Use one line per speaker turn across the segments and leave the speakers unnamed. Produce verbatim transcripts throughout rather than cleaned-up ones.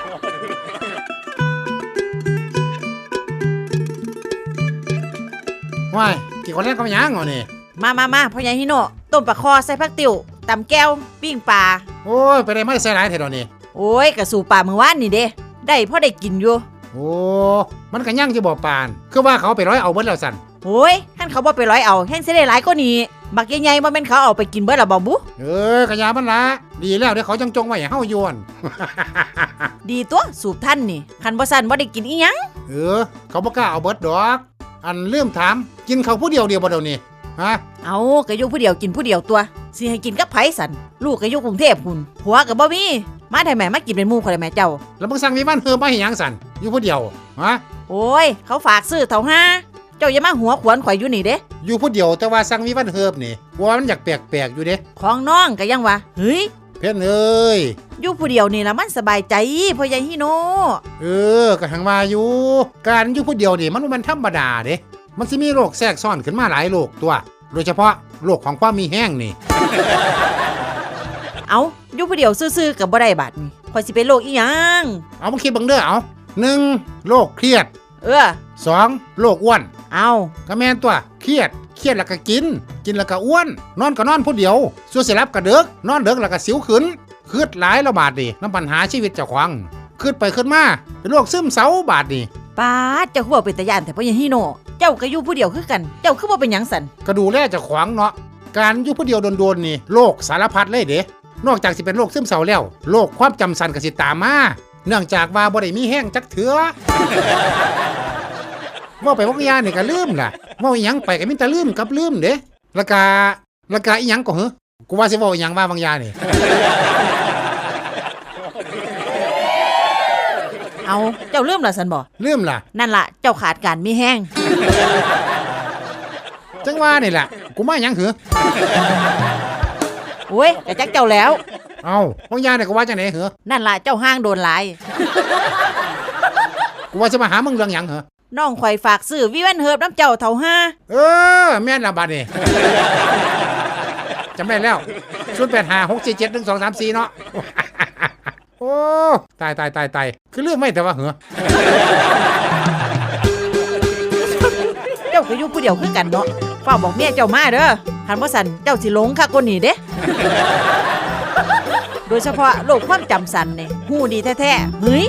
ว้ายกี่คนแรกก็ไม่ยั้งเหรอนี่
มามามาพ่อใหญ่ฮิโน่ต้มปลาคอใส่ผักติ๋วตำแก้วปิ้งปลา
โอ้ยไปได้ไม่ใส่หลายเท่านี้
โอ้ยกระสู่ปลาเมื่อวานนี่เด้ได้พ่อได้กินอยู่
โอ้มันก็ยั่งจะบอกปานคือว่าเขาไปร้อยเอาเบิดแล้วสั่น
โอ้ยท่านเขาบ่ไปร้อยเอาแห้งสิได้หลายกว่านี้บักใหญ่ๆบ่แม่นเขาเอาไปกินเบิดละบ่บุ
เออกะยามันละดีแล้วเดี๋ยวเขาจังจงไว้ให้เฮาโยน
ดีตัวสูบท่านนี่คันบ่ซั่นบ่ได้กินอีหยัง
เออเขาบ่กล้าเอาเบิดดอกอันลืมถามกินเขาผู้เดียวเดียวบ่เดี๋ยวนี้ฮะ
เอาก็อยู่ผู้เดียวกินผู้เดียวตัวสิให้กินกับไผสันลูกก็อยู่กรุงเทพพุ่นผัวก็บ่มีมาได้แม่มากินเป็นหมู่ข่อยได้แม่เจ้า
แล้วมึงสั่งมีบ้านเฮือมาให้หยังสั่นอยู่ผู้เดียวฮะ
โอ้ยเขาฝากซื้อเท่าห้าเจ้าอย่ามาหัวขวนข่อยอยู่นี่เด้
อยู่ผู้เดียวแต่ว่าสั่งมีบ้านเฮือบนี่ว่ามันอยากแปลกๆอยู่เด้
ของน้องก็ยังว่าเฮ้ย
เพิ่นเอ้ย
อยู่ผู้เดียวนี่ล่ะมันสบายใจพ่อใหญ่ฮิโน่
เออก็หังว่าอยู่การอยู่ผู้เดียวนี่มันบ่แม่นธรรมดาเด้มันสิมีโรคแทรกซ้อนขึ้นมาหลายโรคตัวโดยเฉพาะโรคของความมีแห้งนี่
เอาอยู่ผู้เดียวซื่อๆกับบ่ได้บาดนี่ข่อยสิเป็นโรคอีหยัง
เอามาคิดบังเด้อเอาหนึ่งโรคเครียด
เออ
สองโรคอ้วน
เอา
ก็แม่นตัวเครียดเครียดแล้วก็กินกินแล้วก็อ้วนนอนก็นอนผู้เดียวส่วนสิหลับก็ดึกนอนดึกแล้วก็สิวขึ้นคืดหลายแล้วบาดนี่นำปัญหาชีวิตเจ้าของคืดไปขึ้นมาเป็นโรคซึมเศร้าบาดนี่
ป้าเจ้าคือบ่เป็นตาย่านแต่พ่อใหญ่ฮิโน่เจ้าก็อยู่ผู้เดียวคือกันเจ้าคือบ่เป็นหยังสั่น
ก็ดูแลเจ้าของเนาะการอยู่ผู้เดียวโดนๆนี่โรคสารพัดเลยเด้นอกจากสิเป็นโรคซึมเศร้าแล้วโรคความจำสั้นก็สิตามมาเนื่องจากว่าบ่ได้มีแห้งจักเถือ ว่าไปวักยานี่ก็ลืมล่ะว่าอีหยังไปก็มีแต่ลืมกับลืมเด้แล้วก็แล้วก็อีหยังก็เหรอกูว่าสิเว้าอีหยังว่าบางยานี่
เอาเจ้าลืมล่ะซั่นบ่
ลืมล่ะ
นั่นล่ะเจ้าขาดการมีแห้ง
จังว่านี่ล่ะกูมาหยังเหรอ
โอ้ยก็จักเจ้าแล้ว
เอ้าบางยานี่ก็ว่าจังได๋เหรอ
นั่นล่ะเจ้าห้างโดนหลาย
กูว่าสิมาหามึงเรื่องหยังเหรอ
น้องข่อยฝากซื้อวิวันเฮิร์บน้ำเจ้าเท่าห้า
เออแม่นละบัดนี่ จำได้แล้วศูนย์ แปด ห้า หก สี่ เจ็ด หนึ่ง สอง สาม สี่เนาะ โอ้ตายตายตายตายคือเรื่องไม่แต่ว่าเหรอ
เจ้าก็อยู่ผู้เดียวคือกันเนาะฝากบอกเมียเจ้ามาเด้อคันบ่สั่นเจ้าสิหลงคักคนนี้เด้ โดยเฉพาะโรคความจำสั้นนี่ฮู้ดีแท้ๆเฮ้ย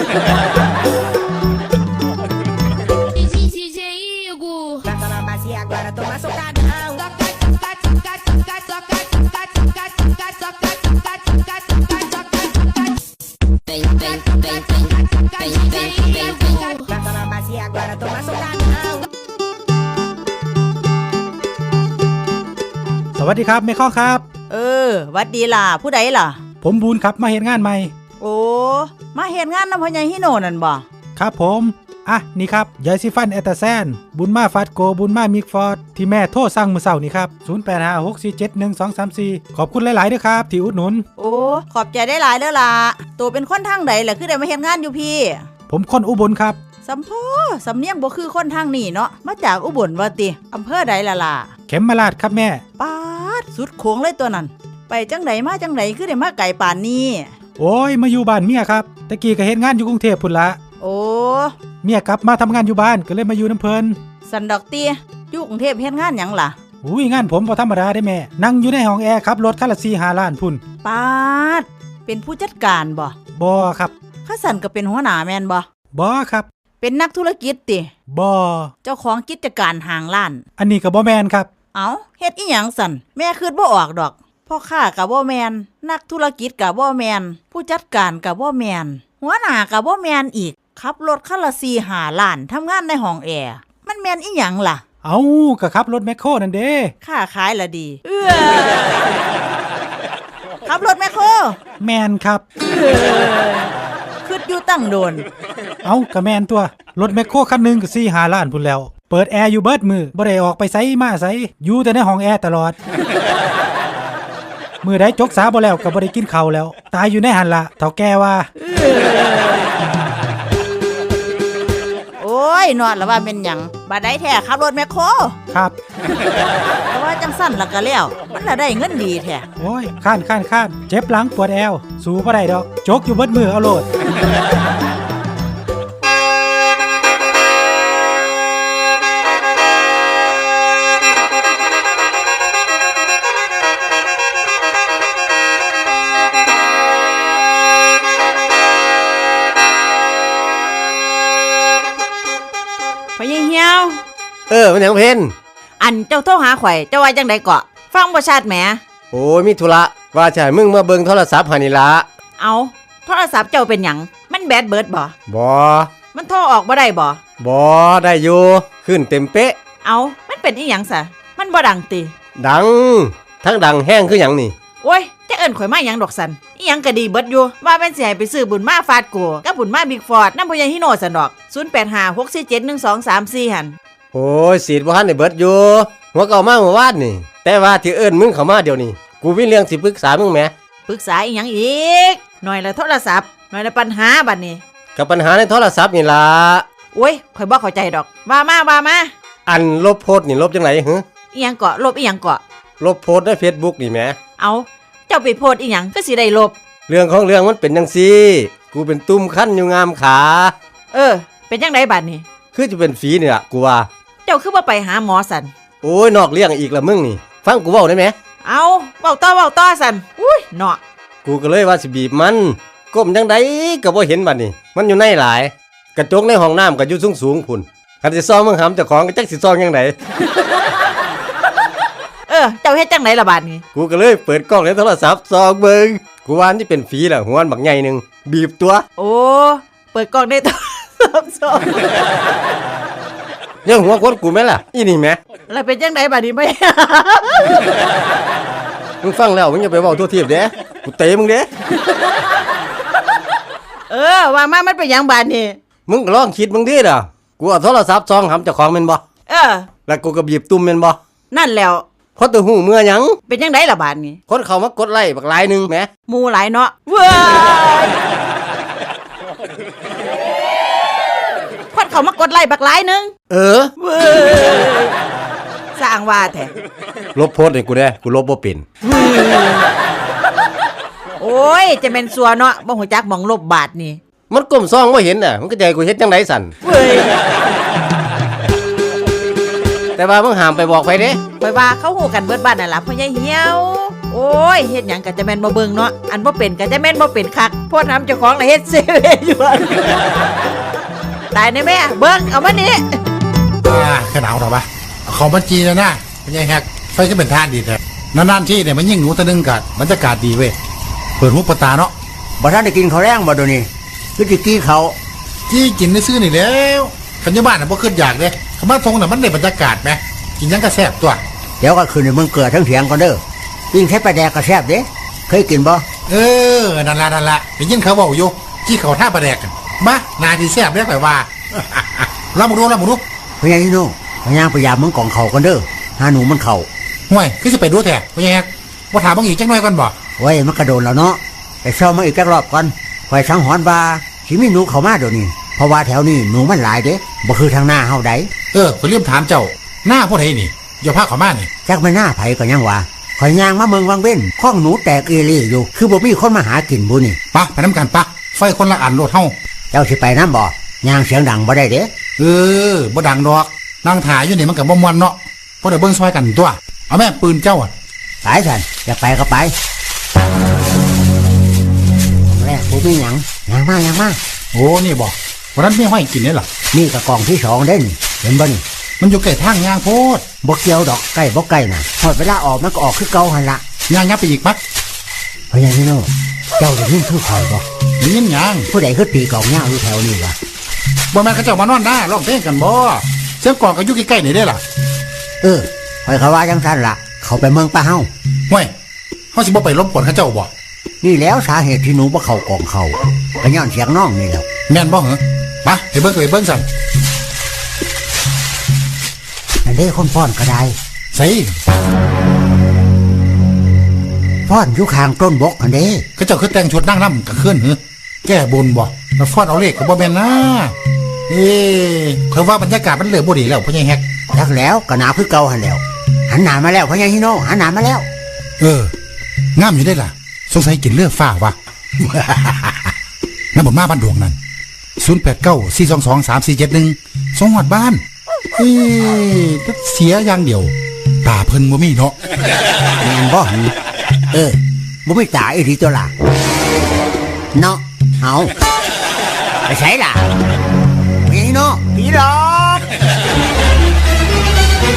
สวัสดีครับแม่ข้อครับ
เออวัดดีล่ะผู้ใดล่ะ
ผมบูนครับมาเฮ็ดงานใหม่
โอ้มาเฮ็ดงานนำพ่อใหญ่ฮิโน่นั่นบ่
ครับผมอ่ะนี่ครับยาสีฟันแอตตาแซนบุญมาฟัดโกบุญมามิกฟอร์ดที่แม่โทรสั่งมื้อเช้านี่ครับศูนย์ แปด ห้า หก สี่ เจ็ด หนึ่ง สอง สาม สี่ขอบคุณหลายๆเด้อครับที่อุดหนุน
โอ้ขอบใจได้หลายเด้อล่ะตัวเป็นคนทางใดล่ะคือได้มาเฮ็ดงานอยู่พี่
ผมคนอุบลครับ
สัมพอสำเนียงบ่คือคนทางนี้เนาะมาจากอุบลว่าติอำเภอใดล่ะล่ะ
เข็มมาลาดครับแม่
ปาดสุดโขงเลยตัวนั้นไปจังไดมาจังไดคือได้มาไกลป่านนี้
โอ้ยมาอยู่บ้านเมียครับตะกี้ก็เฮ็ดงานอยู่กรุงเทพพุ่นละ
โอ้
เมียกลับมาทำงานอยู่บ้านก็เลยมาอยู่น้ำเพิ่น
สันดอกเตี้ยอยู่กรุงเทพเฮ็ดงานหยังล่ะ
อุ้ยงานผมบ่ธรรมดาได้แม่นั่งอยู่ในห้องแอร์ขับรถคันละ สี่ห้า ล้านพุ่น
ปาดเป็นผู้จัดการบ่
บ่ครับ
ข้าสันก็เป็นหัวหน้าแม่นบ่
บ่ครับ
เป็นนักธุรกิจติ
บ่
เจ้าของกิจการห้างร้าน
อันนี้ก็บ่แม่นครับ
เอ้าเฮ็ดอีหยังสั่นแม่คิดบ่ออกดอกพ่อค้าก็บ่แม่นนักธุรกิจก็บ่แม่นผู้จัดการก็บ่แม่นหัวหน้าก็บ่แม่นอีกขับรถคันละ สี่ห้า ล้านทำงานในห้องแอร์มันแม่นอีหยังล่ะ
เอ้าก็ขับรถแมคโครนั่นเด้
ค้าขายละดีเอ้อขับรถแมคโคร
แม่นครับ
คิดอยู่ตั้งโดน
เอ้าก็แม่นตัวรถแมคโครคันนึงก็ สี่ห้า ล้านพุ่นแล้วเปิดแอร์อยู่เบิดมือบ่ได้ออกไปไสมาไสอยู่แต่ในห้องแอร์ตลอดมื้อใดจกษาบ่แล้วก็บ่ได้กินข้าวแล้วตายอยู่ในหั่นล่ะเฒ่าแก่ว่า
โอ้ยนอนแล้วว่าเป็นหยังบัดใดแท้ขับรถแมคโคร
ครับ
แต่ว่าจังสั่นล่ะก็แล้วมันละได้เงินดีแท้
โอ้ยค้านๆๆเจ็บหลังปวดแอวสู้บ่ได้ดอกจกอยู่เบิดมือเอาโลด
เออมันหยังเพ่น
อันเจ้าโทรหาข่อยเจ้าว่าจังไดเกาะฟังบ่ชัดแหม
โอ้ยมีธุระว่าจะให้มึงมาเบิ่งโทรศัพท์หานี่ละ
เอาโทรศัพท์เจ้าเป็นหยังมันแบตเบิดบ่
บ่
มันโทรออกบ่ได้บ่
บ่ได้อยู่ขึ้นเต็มเป๊ะ
เอามันเป็นอีหยังซะมันบ่ดังติ
ดังทั้งดังแห้งคือหยังนี่
โอ้ยจะเอิ้นข่อยมาหยังดอกสันอีหยังก็ดีเบิดอยู่ว่าแม่นสิให้ไปซื้อบุญมาฟาดโกกับบุญมาบิ๊กฟอร์ดนำพ่อใหญ่ฮิโนสันดอกศูนย์ แปด ห้า หก สี่ เจ็ด หนึ่ง สอง สาม สี่หั่น
โอ้ยสีดบ่ทันได้เบิดอยู่หัวเก่ามาเมื่อวานนี่แต่ว่าที่เอิ้นมึงเข้ามาเดี๋ยวนี้กูมีเรื่องสิปรึกษามึงแหม
ปรึกษาอีหยังอีกหน่อยละโทรศัพท์หน่อยละปัญหาบัดนี้
กับปัญหาในโทรศัพท์นี่ล่ะ
โอ้ยข่อยบ่เข้าใจดอกว่ามาว่ามา
อันลบโพสต์นี่ลบจังไดหึ
อีหยังเกาะลบอีหยังเกาะ
ลบโพสต์ใน Facebook นี่แหม
เอาเจ้าไปโพสต์อีหยังก็สิได้ลบ
เรื่องของเรื่องมันเป็นจังซี่กูเป็นตุ้มคั้นอยู่งามขา
เออ เป็นจังไดบัดนี้
คือจะเป็นฝีนี่ล่ะกูว่า
เจ้าคือบ่ไปหาหมอสัน
โอ้ยนอกเรื่องอีกละมึงนี่ฟังกูเว้าได้ไหม
เอาเว้าต่อเว้าต่อสันอุ้ยเนาะ
กูก็เลยว่าสิบีบมันก้มจังไดก็บ่เห็นบัดนี้มันอยู่ในหลายกระจกในห้องน้ำก็อยู่สูงๆพุ่นคันสิซ่อมมึงหำเจ้าของก็จักสิซ่อมจังได
เออเจ้าเฮ็ดจังไดล่ะบัดนี้
กูก็เลยเปิดกล้องในโทรศัพท์ส่องเบิ่งกูว่านี่เป็นฝีล่ะหัวอันบักใหญ่หนึงบีบตัว
โอ้เปิดกล้องได้โทรศัพท์สอง
ยังหัวคนกูแม่ล่ะอีนี่แหม
แล้วเป็นจังไดบัดนี้ไม่
มึงฟังแล้วมึงอย่าไปเว้าทั่วทีบเด้กูเตะมึงเด้
เออว่ามามันเป็นหยังบัดนี้
มึงก็ลองคิดมึงดิล่ะกูเอาโทรศัพท์ส่องหำเจ้าของแม่นบ่
เออ
แล้วกูก็บีบตุ่มแม่นบ่
นั่นแล้ว
คนตัวหูเมื่อหยัง
เป็นจังไดล่ะบัดนี้
คนเขามากดไลค์บักหลายหนึงแหม
หมู่หลายเนาะเว้ยคนเขามากดไลค์บักหลายหนึง
เออ
เว้ยสร้างว่าแท้
ลบโพสต์ให้กูได้กูลบบ่เป็น
โอ้ยจะเป็นสัวเนาะบ่ฮู้จักหม่องลบบาทนี่
มันก้มซองบ่เห็นน่ะมันก็จะให้กูเฮ็ดจังไดสั่น
เว้ย
แต่ว่ามึงห้ามไปบอกไผเด้
ข่อยว่าเขาฮู้กันเบิดบ้านนั่นล่ะพ่อใหญ่เหี่ยว โอ้ยเฮ็ดหยังก็จะแม่นบ่เบิ่งเนาะอันบ่เป็นก็จะแม่นบ่เป็นคักโพดทำเจ้าของละเฮ็ดเซเว่นอยู่อะตายแน่แม่เบิ่งเอามานี่
อ่าแค่หนาวหรอปะเอาของบัญชีนะนะเป็นไงแฮกไฟก็เป็นท่านดีแท้นานๆที่เนี่ยมันยิ่งหนูตะนึงกัดบรรยากาศดีเว้ยเปิดหูเปิดตาเนาะ
บ่ทันได้กินข้าวแรงบ่เดี๋ยวนี้คือสิกี้เขา
จี้กินได้ซื้อนี่แล้วคันอยบ้านน่ะบ่ขึ้นอยากเด้คำว่าทรงน่ะมันได้บรรยากาศไหมกินหยังก็แซ่บตัว
เดี๋ยวก็ขึ้นในเมืองเกลือทั้งเถียงก่อนเด้อปิ้งแค่ปลาแดกก็แซ่บเด้เคยกินบ่
เออนั่นละนั่นละได้ยินเขาบอกอยู่จี้เขาท่าประแดกกันมานาดีแซ่บเรียกไปว่า เรามาดูเรามาดู
พญานิโน่พญางพยายามเมืองกองเขากันเด้อหาหนูมันเข่า
ห่วยคือจะไปดูแท้พ่อแฮกว่าถามบางอีกจังหน่อยก่อนบ่
ไว้มันกระโดนแล้วเนาะไปเช่ามาอีกจักรอบก่อนข่อยสังหรณ์ว่าสิมีหนูเข้ามาเดี๋ยวนี้เพราะว่าแถวนี้หนูมันหลายเด้บ่คือทางหน้าเฮาใด
เออผมเรียมถามเจ้าหน้าพวกไหนนี่อย่าพาเขามานี่
จักแม่หน้าไผก็ยังว่าข่อยย่างมาเมืองวังเว้นข้องหนูแตกเอรี่อยู่คือบ่มีคนมาหากินบุนี่
ปะไปน้ำกันปะไฟคนละอันโลดเฮา
เจ้าสิไปน้ำบ่ย่างเสียงดังบ่ได้เด้
เออบ่ดังดอกนั่งถ่ายอยู่นี่มันกับบ่มวนเนาะเพราะเดี๋ยวเบิ่งซอยกันตัวเอาแม่ปืนเจ้าอ่ะ
ไปสันอยากไปก็ไปแรกผมมีหยังหยังมากยังมาก
โอ้นี่บอกวันนั้นไม่ห้อยกินนี่หรอ
นี่กระกองที่สองเด่นเห็นบ่นี่
มันอยู่ใกล้ทางยางโพด
บ่เกี่ยวดอกใกล้บ่ใกล้น่ะพอดเวลาออกมันก็ออกคือเก่าหันละ
ยางยับไปอีกปะ
พญานิโน่เจ้าได้ยินคือข่อยบ่
ได้ยินยาง
ผู้ใดคือตีกองยาวอยู่แถวนี้วะ
บ่แม่นเขาเจ้ามานอนหน้าร้องเพลงกันบ่เสียงกลองก็อยู่ใกล้ๆนี่ได้ล่ะ
เออข่อยเขาว่าจังซั่นล่ะเขาไปเมืองป้าเฮา
ห่วยเฮาสิบ่ไปรบกวนเขาเจ้าบ่
นี่แล้วสาเหตุที่หนูบ่เข้ากองเขาก็ย้อนเสียงน้องนี่แหละ
แม่นบ่เหรอปะไปเบิ่งไปเบิ่งสั่น
นั่นเด้คนฟ้อนก็ได้
ใส่
ฟ้อนอยู่ข้างต้นบกอันเด้
เขาเจ้าคือแต่งชุดนั่งนำก็ขึ้นเหรอแก้บนบ่แล้วฟอดเอาเลขก็บ่แม่นนะเอ๊ะเพิ่นว่าบรรยากาศมันเริ่มบ่ดีแล้วพ่อใหญ่แฮก
จักแล้วก็หนาวคือเก่าหันแล้วหันหน้ามาแล้วพญานิโน่หันหน้ามาแล้ว
เอองามอยู่ได้ล่ะสงสัยกินเลือดฟ้าวะ น้ำบ่มาบ้านดวงนั่นศูนย์แปดเก้าสี่สองสองสามสี่เจ็ดหนึ่งสองหอดบ้านเอ๊ะแต่เสียอย่างเดียวตาเพิ่นบ่มีเนาะ
แม่นบ่หึเออบ่มีตาอีหลีตัวล่ะเนาะเอาไปใส่ล่ะพญานิโน่ผีหลอก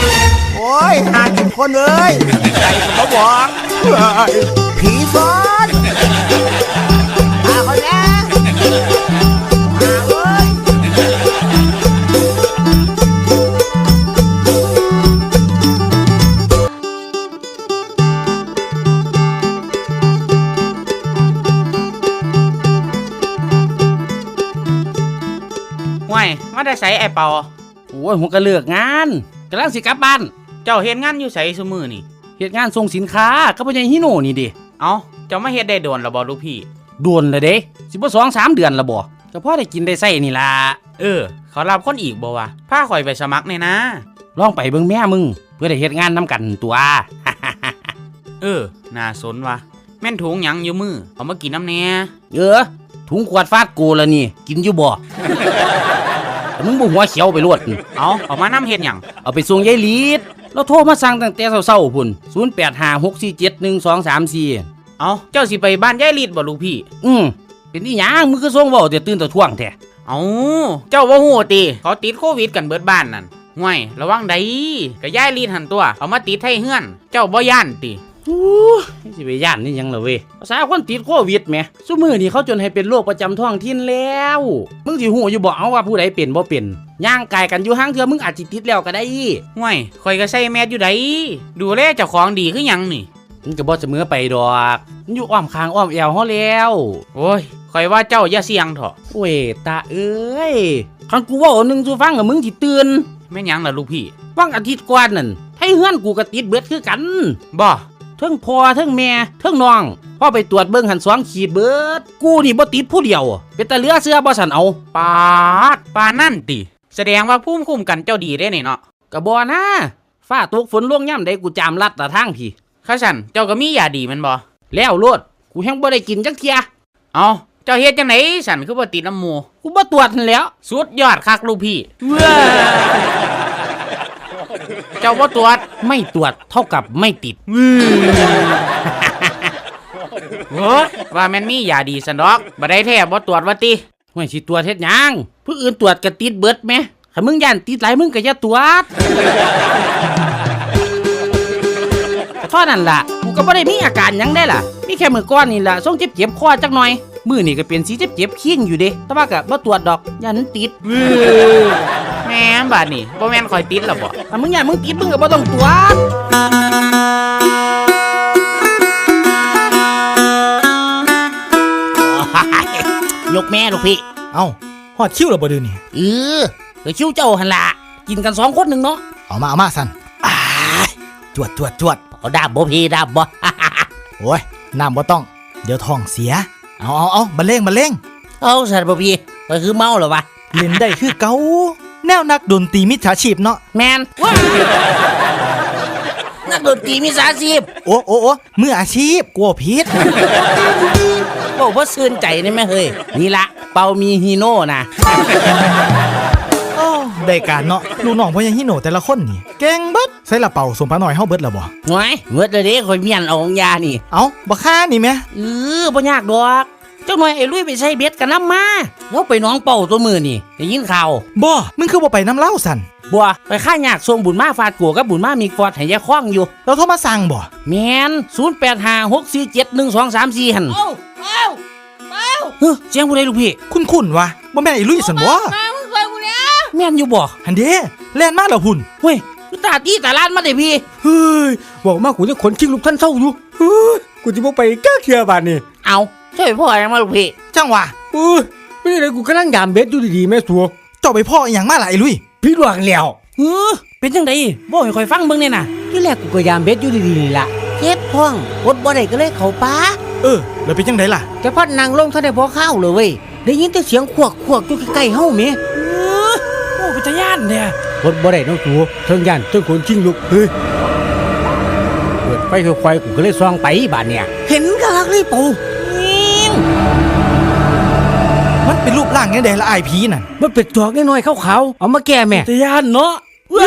โอ้ยหากินคนเอ้ยใจก็บ่บอกผีซ้อนมาคนแรกมาเว้ย
ห่วยมาได้ใส่ไอ้เปา
โอ้ยผมก็เลือกงานกำลังสิกลับบ้าน
เจ้าเฮ็ดงานอยู่ไสซุมื้อนี่
เฮ็ดงานส่งสินค้าก็พ่อใหญ่ฮิโน่นี่ดิ
เอ้าเจ้ามาเฮ็ดได้โดนแล้วบ่ลูกพี่
โดนเลยเด้สิบ่สองสามเดือนละบ่ก็พอได้กินได้ใช้นี่ล่ะ
เออ เขารับคนอีกบ่วะพาข่อยไปสมัครแน่นะ
ลองไปเบิ่งแม่มึงเพื่อได้เฮ็ดงานนํกันตัว
เออน่าสนวะแม่นถุงหยังอยู่มือเอามากินน้ำแหน่
เออถุงขวดฟาดกูละนี่กินอยู่บ่ แต่มึงบ่หัวเขียวไปรวด
เอาเอามานำเฮ็ดหยัง
เอาไปส่งยายลีดเราโทรมาสั่งตั้งแต่เช้าๆพุ่นศูนย์ แปด ห้า หก สี่ เจ็ด หนึ่ง สอง สาม สี่
เอาเจ้าสิไปบ้านยายลีดบ่ลูกพี่
อืมเป็นอีหยังมึงคือส่งเว้าแต่ตื่นแต่ท่วงแท้
เอาเจ้าบ่ฮู้ติเขาติดโควิดกันเบิดบ้านนั่นห่วยระวังใดก็ยายลีดหันตัวเอามาติดไทเฮือน เจ้าบ่ย่านติ
อู้สิไปย่านนี่หยังล่ะเว้ยภาษาคนติดโควิดแหมซุมื้อนี้เขาจนให้เป็นโรคประจำท้องถิ่นแล้วมึงสิฮู้อยู่บ่เอาว่าผู้ใดเป็นบ่เป็นย่างกายกันอยู่ห่างเทื่อมึงอาจสิติดแล้วก็ได้
ห่วยข่อยก็ใส่แมสอยู่ไดดูแลเจ้าของดีคือหยังนี่
มันก็บ่เสมอไปดอกมันอยู่อ้อมคางอ้อมแอวเฮาแล้ว
โอ้ยข่อยว่าเจ้าอย่าเสี่ยงเถอะ
โอ้ยตาเอ้ยคันกูเว้าอันหนึงสู่ฟังอะมึงสิตื่น
แม่นหยังล่ะลูกพี่
วังอาทิตย์ก่อนนั่นให้เฮือนกูก็ติดเบิดคือกัน
บ่
เทิงพ่อเทิงแม่เทิงน้องพ่อไปตรวจเบิ่งหันสองขีดเบิดกูนี่บ่ติดผู้เดียวเป็นตาเหลือเสื้อบ่สันเอา
ปาดปานั่นติแสดงว่าภูมิคุ้มกันเจ้าดีได้นี่เนาะ
ก็บ่นะฟ้าตกฝนลงย่ำใดกูจามลัดตะทางพี่
ข้าฉันเจ้าก็มียาดีแมันบ่
แล้วโลดกูแฮงบ่ได้กินจักเที่ย
เอาเจ้าเฮ็ดจังไหนฉันคือบ่ติดน้ำหมู
กูบ่ตรวจนั่นแหล้ว
สุดยอดคักลูกพี่เจ้าบ่ตรวจ
ไม่ตรวจเท่ากับไม่ติด
โอ้ยว่าแม่นมียาดีสันดอกบ่ได้แท้บ่ตรวจว่าติ
ห่วยสิตรวจเฮ็ดหยังผู้อื่นตรวจก็ติดเบิดแหมถ้ามึงย่านติดหลายมึงก็อย่าตรวจก็เท่านั้นล่ะกูก็บ่ได้มีอาการหยังได้ล่ะมีแค่มื้อก่อนนี่ล่ะทรงเจ็บๆคอจักหน่อยมื้อนี่ก็เป็นสีเจ็บๆเคียงอยู่เด้แต่ว่าก็บ่ตรวจดอกย่านมันติด
แม่นบาดนี่บ่แม่นข่อยติดแล้วบ่
ถ้ามึงย่านมึงติดมึงก็บ่ต้องตรวจ ยกแม่ลูกพี่
เอ้าฮอดคิวแล้วบ่เดือนี่
เออเดี๋ยวคิ้วเจ้าหันละกินกันสองคนหนึ่งเนาะ
เอามาเอามาสั่นอ้ายจวดจวดจวด
เอาดาบบ่พี่ดาบบ่
โอ้ยน้ำบ่ต้อง เดี๋ยวท้องเสีย เอาเอาเอาบันเลงบันเลง
เอาสัตว์บ่พี่ไปคือเมาเหรอวะ
เล่นได้คือเก่าแนวนักดนตรีมิจฉาชีพเนาะ
แมนว้านักดนตรีมีสาชีพ
โอ้โอ้โอ้มืออาชีพกลัวผิด
บอกว่าซื่นใจนี่แม่เฮ้ยนี่ละเปามีฮีโน่นะ
โอ้ได้การเนาะลูกน้องพ่อยังฮิโนแต่ละคนนี่เก่งเบิดใส่ละเป่าสมพระหน่อยเฮาเบิดแล้วบ่
หน่อยเมื่อเด้คอยเมียนเอาของยานี่
เอ้าบ่ค่านี่แม่
เออบ่ยากดอกเจ้าหน่อยไอ้ลุยไปใช้เบ็ดกันน้ำมาแล้วไปน้องเป่าตัวมือนี่ได้ยินข่าว
บ่มึงคือบ่ไปน้ำเล่าสั่น
บัวไปค่ายากส่งบุญมาฟาดกัวกับบุญมามีฟอดให้ยายคล้องอยู่
เราโทรมาสั่งบ่
แมนศูนย์แปดห้าหกสี่เจ็ดหนึ่งสองสามสี่หันเอ้าเอ้าเอ้าเฮ้ยเสียงผู้ใดลูกพี่
คุ้นๆวะบ่แม่นไอ้ลุยสั่นบ่
แม่นอยู่บ่
หันเด้แล่นมาแล้วพุ่น
เฮ้ยกูตาตีตาลานมาได้พี่
เฮ้ยบอกมากูจะขนคิงลูกท่านเศร้าอยู่เฮ้ยกูจะบ่ไปก้าเคียบานนี่
เอาช่วยพ่อยังมาลูกพี่
จังหวะ
เอ้ยไม่ได้เลยกูกำลังยามเบ็ดอยู่ดีๆแม่สัว
เจ้าไปพ่ออีหยังมาล่ะไอ้ลุย
พี่หลวงแล้ว
เฮ้อเป็นจังไดบ่ให้คอยฟังเบิ่งเนี่ยน่ะ
ที่แรกกูก็ยามเบ็ดอยู่ดีๆนี่ล่ะ
เฮ็ดพ่องอดบ่ได้ก็เลยเข้าป่า
เออแล้วเป็นจังไดล่ะ
แต่พัดนางลงท่านได้พอข้าวเลยเว้ยได้ยินแต่เสียงขวกขวกอยู่ใกล้ๆเฮาแม่
เออโอ้เป็นตาย่านเนี่ย
อดบ่ได้น้องสัวเทิงย่านเทิงขนคิงลูกเฮ้ยเปิดไฟค่อยๆกูก็เลยส่องไปบาดเนี่ยเห็นกะลักเลยปู่
มันเป็นรูปร่างยังไงละไอ้ผีนั่น
มันเป็ดจอกน้อยๆขาวๆเอามาแก้แม่
ตาย่านเนาะ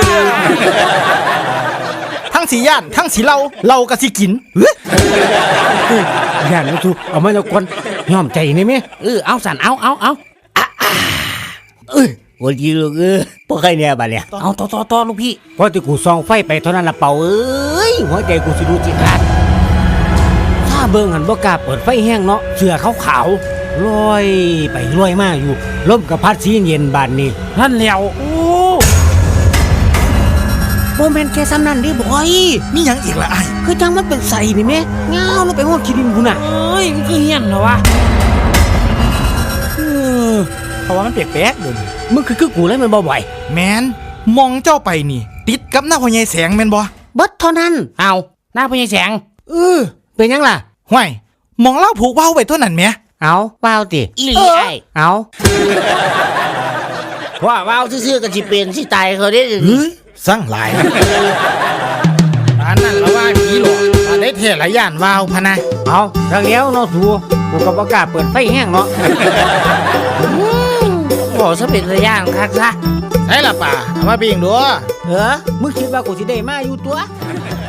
ทั้งสีย่านทั้งสีเหล้าเหล้ากับสีกินเฮ้ย
ย่านน้องสัวเอามาแล้วก่อนยอมใจนี่แม่
เออเอาสั่นเอาเอาเอา
เอ้ยโอ้ยลูกเอ้ยพวกใครเนี่ยบัดเนี่ย
เอาต่อต่อต่อลูกพี่
พอที่กูส่องไฟไปเท่านั้นละเป่าเอ้ยหัวใจกูสิดูจิขาดถ้าเบิ่งหันบ่กล้าเปิดไฟแห้งเนาะเสื้อขาวๆลอยไปลอยมาอยู่ลมกับพัดสีเย็นบานนี้
นั่นแล้วโอ้
บ่แม่นแค่ซ้ำนั้นดิบอย
มีหยังอีกละไอ้
คือจังมันเป็นใส่นี่แม่เงาลงไปฮอดขี้ดินพุ่นน่ะ
เอ้ยมันคือเฮี้ยนเหรอวะ
เออ
เพราะว่ามันแปลกๆเด้อ
มึงคือคือกูเลยแมันบ่บ่อย
แมนมองเจ้าไปนี่ ติดกับหน้าพ่อใหญ่แสงแม่นบ่
เบิดเท่านั้น
เอาหน้าพญายแสง
เออเป็นหยังล่ะ
ห่วยมองเล่าผูกเว้าไว้เท่านั้นแหม
เอาว้าวติ
อีหลีไอ้
เอา
ว่าว้าวซื่อๆกันสิเป็นสิตายเขาได้
เฮ้ยสร้างหลายอันนั้นละว่าผีหลอกว่าได้เทหลายย่านวาวพะนะ
เอาดังแล้วเนาะสูกูก็บ่กล้าเปิดไฟแห้งเนาะ
บอกซะเป็นระยะคักซะ
ใช่ละป่าเอามาปิ้งดู
เออมึงคิดว่ากูสิได้มาอยู่ตัว